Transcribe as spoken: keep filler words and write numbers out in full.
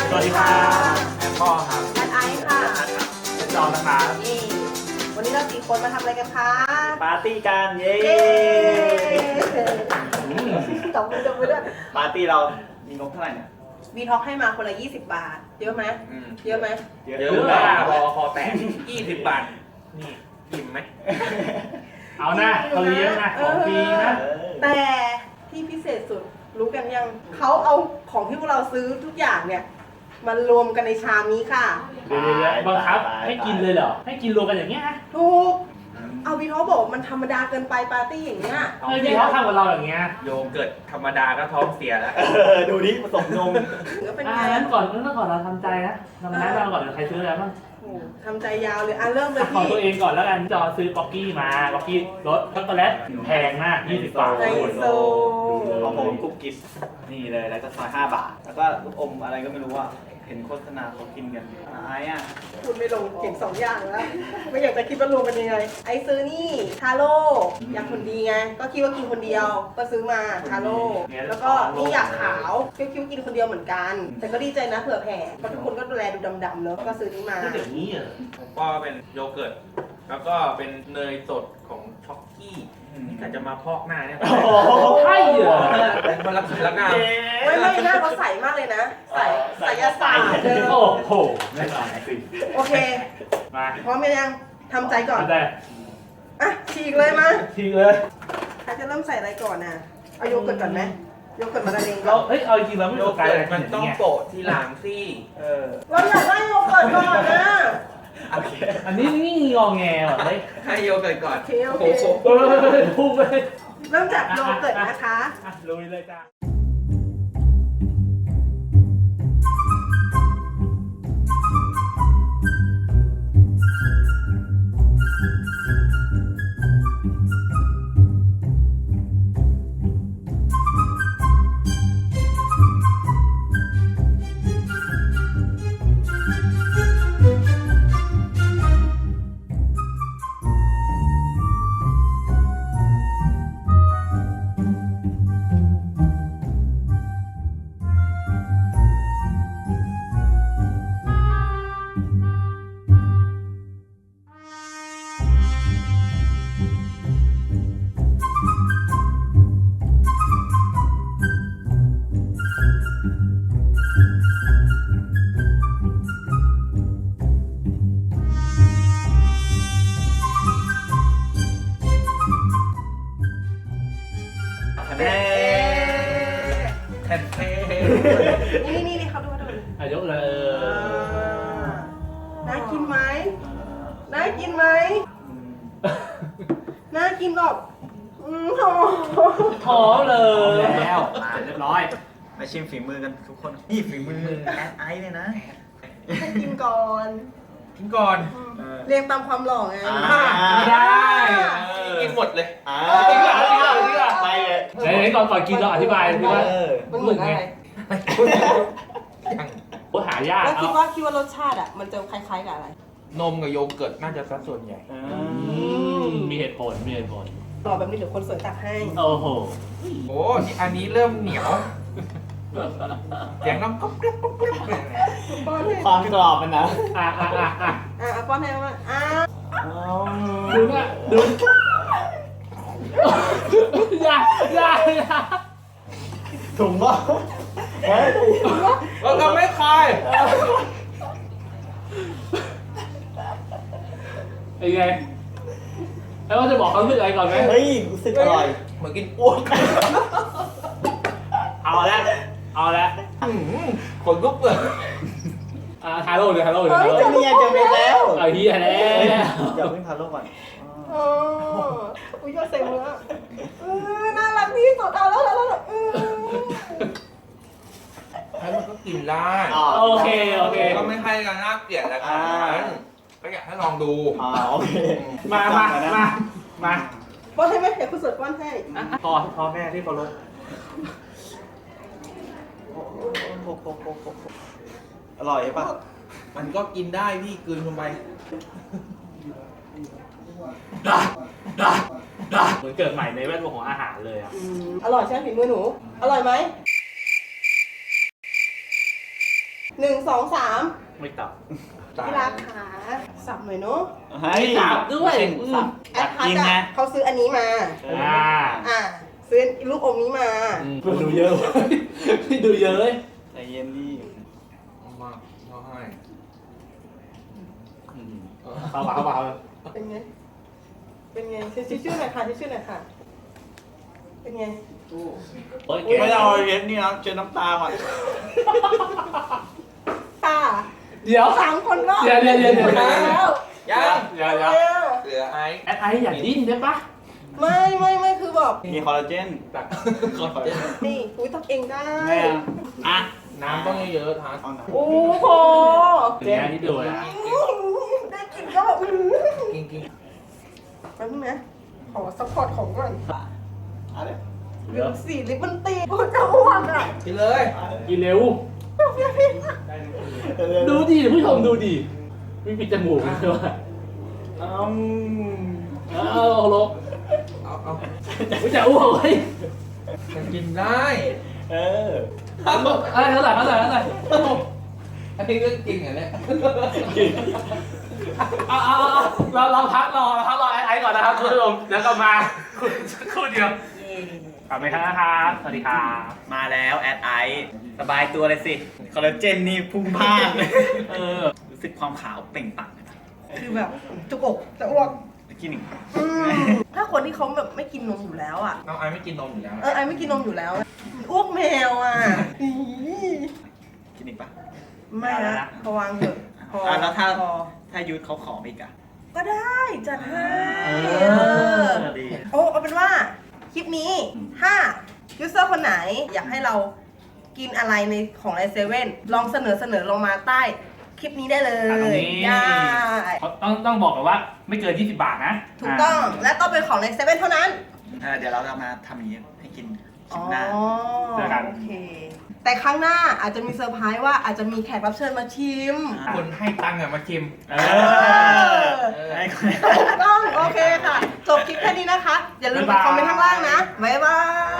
สวัสดีครับแอมพ่อครับแอดไอซ์ค่ะเป็นจอนะครับนี่วันนี้เราสี่คนมาทำอะไรกันคะปาร์ตี้กันเย้เย้ตบมือตบมือด้วยปาร์ตี้เรามีงบเท่าไหร่เนี่ยวีท็อกให้มาคนละยี่สิบบาท เยอะไหมเยอะไหมเยอะเยอะมากรอคอแตกยี่สิบบาท นี่อิ่มไหมเอาหน้าเขาเลี้ยงนะของฟรีนะแต่ที่พิเศษสุดรู้กันยังเขาเอาของที่พวกเราซื้อทุกอย่างเนี่ยมารวมกันในชามนี้ค่ะเดี๋ยวๆบังคับให้กินเลยเหรอ ให้กินรวมกันอย่างเงี้ยนะถูกเอาวีท็อกบอกมันธรรมดาเกินไปปาร์ตี้อย่างเงี้ยเฮ้ยพี่เขาทำกับเราอย่างเงี้ยโยเกิร์ตธรรมดาก็ท้องเสียแล้วเออดูดิผสมนมหรือเป็นอ่าไงงั้นก่อนงั้นก่อนเราทำใจนะทำนั้นเราก่อนเดี๋ยวใครซื้ออะไรบ้างโอ้ทำใจยาวเลยอ่ะเริ่มเลยของพี่ตัวเองก่อนแล้วกันจอซื้อป๊อกกี้มาป๊อกกี้รสช็อกโกแลตแพงมากยี่สิบบาทไฮโซของผมกุ๊กกิ๊บนี่เลยแล้วก็ซอยห้าบาท แล้วก็ลูกอมอะไรก็ไม่รู้ว่าเห็นโฆษณาเขากินกันไอ้อ่ะคุณไม่ลงเก่งสองอย่างแล้ว ไม่อยากจะคิดว่ารวมเป็นยังไง ไอซื้อนี่ทาโร่อยากคนดีไง ก็คิดว่ากินคนเดียว ก็ซื้อมาทาโร่แล้วก็นี่อยากขาวคิดว่ากินคนเดียวเหมือนกัน แต่ก็ดีใจนะเผื่อแผ่เพราะทุกคนก็ดูแลดูดำๆเนอะก็ซื้อนี่มาเดี๋ยวนี้เหรอผมก็เป็นโยเกิร์ต แล้วก็เป็นเนยสดของช็อกกี้นี่กะจะมาพอกหน้าเนี่ยโอ้โหใช่เหรอเป็นคนละละงามไม่ไม่หน้าเขาใสมากเลยนะ ใสใสยาศาสตร์เดิมโอ้โหไม่ต่างสิโอเคมาพร้อมยังทำใจก่อนเอาแต่อ่ะฉีกเลยมาทีเลยใครจะเริ่มใส่อะไรก่อนน่ะเอาโยเกิร์ตก่อนไหมโยเกิร์ตมาดาเองก่เราอนเฮ้ยเอาจริงๆเราไม่โยสนใจเกิอะไรร์ตมันต้องโปะที่หลังสิเออเราอยากได้โยเกิร์ตก่อนนะโอเคอันนี้นี่งอแงว่ะเฮ้ยให้โยเกิร์ตก่อนโอเคโอเคโอ้โหเฮ้ยพุ่งเลยเริ่มจากโยเกิร์ตนะคะอ่ะลุยเลยจ้าแน่แทนเท่นี่นี่นี่เขาดูเขาดูอายกเลยเออน่ากินไหมน่ากินไหมน่ากินหรอกอืมโหท้อเลยแล้วมาเรียบร้อยมาชิมฝีมือกันทุกคนนี่ฝีมือแอดไอซ์เลยนะให้กินก่อนกินก่อนเออเรียงตามความหล่อไงอ่าไม่ได้กินหมดเลยอ่าจริงเหรอจริงเหรอจริงเหรอไปเลยไหนไหนก่อนก่อนกินเราอธิบายดีว่าเออมันเหมือนอะไรยังโอ้หายากแล้วคิดเอาว่าคิดว่ารสชาติอ่ะมันจะคล้ายๆกับอะไรนมกับโยเกิร์ตน่าจะสัดส่วนใหญ่อือืมมมีเหตุผลมีเหตุผลต่อแบบนี้เดี๋ยวคนสวยตักให้โอ้โหโอ้ที่อันนี้เริ่มเหนียวเสียงน้ำก๊อบแก๊บก๊อบแก๊บเลยป้อนให้ความกรอบมันนะอ่ะอ่ะอ่ะอ่ะอ่ะป้อนให้มาอ่ะดูนะดูอย่าอย่าอย่าถุงว่าเฮ้ยเราทำไม่คายไอ้ไงแล้วว่าจะบอกเขาเรื่องอะไรก่อนไหมเฮ้ยรู้สึกอร่อยเหมือนกินอ้วกเอาละเอาละอื้อหือขนลุกเลยอ่าทาโร่เลยทาโร่เลยทาเฮ้ยโร่จะมีจะเป็นแล้วเอาเฮียแล้เฮ้ยว อย่าเพิ่งทาโร่ก่อนโอ้อุ้ยยอดเซ็งเลยอ่ะเออน่ารักที่สุดเอาแล้วแล้วแล้วเออให้มันก็กินได้อ๋อโอเคโอเคก็ไม่ให้กันน่าเกลียดแล้วกัอ่านก็อยากให้ลองดูอ๋อโอเคมามามามาป้อนให้ไหมเดี๋ยวคุณสวยป้อนให้พอพอแม่ที่เคารพโอ้โหโอ้โหโอ้โหโอ้โหอร่อยป่ะมันก็กินได้พี่กลืนลงไปเหมือนเกิดใหม่ในแวดวงของอาหารเลยอ่ะอืมอร่อยใช่ไหมฝีมือหนู อร่อยไหมหนึ่งสองสามไม่ตับที่รักขาสับหน่อยเนาะให้ตับด้วยสับแอตัดบพัทกินไงอะเขาซื้ออันนี้มาอ่าอ่ะซื้อลูกอมนี้มาดูเยอะดูเยอะเลยใจเย็นดิมากเขาให้เข้ามาเข้ามาเป็นไง เป็นไงชื่อชื่อหน่อยค่ะชื่อหน่อยค่ะ เป็นไงโอ้ยไม่ต้องเอาเย็นนี่นะเจอน้ำตาก่อนค่ะเดี๋ยวสามคนก็เดี๋ยวเดี๋ยวเดี๋ยวเดี๋ยวหมดแล้วยังเดี๋ยวเดี๋ยวเหลือไอ้แอดไออย่าดิ้นได้ปะไม่ไม่ไม่คือแบบมีคอลลาเจนตักคอนเจนนี่อุ้ยตักเองได้แม่อ่ะน้ำต้องเยอะๆทานเอาหน่อยโอ้โหเนี่ยที่ดูนะได้กินก็แบบอื้อกินกินแป๊บนึงนะขอซัพพอร์ตของก่อนเอาเลยเดี๋ยวสีลิปมันตีโอ้จะอ้วนอ่ะกินเลยกินเร็ว ดูดิผู้ชมดูดิไม่ปิดจมูกใช่ไหมอืมเอาลบเอาเอาไม่จะอ้วกเลยมันกินได้เอออะไรเท่าไหร่เท่าไหร่เท่าไหร่อันนี้ก็กินอย่างเนี้ยเอาเอาเอาเราเราพักรอเราพักรอไอ้ไอ้ก่อนนะครับคุณผู้ชมแล้วก็มาคู่เดียวกลับไปครับนะครับสวัสดีครับมาแล้วแอดไอซ์สบายตัวเลยสิ คอลลาเจนนี่พุ่งพลาดเลยเออรู้สึกความขาวเปล่งปลั่งเลยนะคือแบบจุกอกจะอ้วกกินอีกอืมถ้าคนที่เขาแบบไม่กินนมอยู่แล้วอ่ะน้องไอ้ไม่กินนมอยู่แล้วเออไอไม่กินนมอยู่แล้วอ้วกแมวอ่ะอีกินอีกปะไม่นะพอวางเถอะพออ่ะแล้วถ้าพอถ้ายุทธเขาขออีกอะก็ได้จัดให้เอเอออดีโอ้เอาเป็นว่าคลิปนี้ถ้ายูเซอร์คนไหนอยากให้เรากินอะไรในของในเซเว่นลองเสนอเสนอลงมาใต้คลิปนี้ได้เลอ่ะตรงยนี้ได้ต้องต้องบอกกันว่าไม่เกินยี่สิบบาทนะถูกต้องและต้องเป็นของในเซเว่นเท่านั้นเออเดี๋ยวเราจะมาทำอย่างนี้ให้กินคลิปหน้าอ๋อโอเค แต่ครั้งหน้าอาจจะมีเซอร์ไพรส์ว่าอาจจะมีแขกรับเชิญมาชิมอ่ะคนให้ตังค์อะมาชิมเอเอออให้คนถูกต้อง โอเคค่ะ จบคลิปแค่นี้นะคะ อย่าลืมไปคอมเมนต์ข้างล่างนะ บ๊ายบาย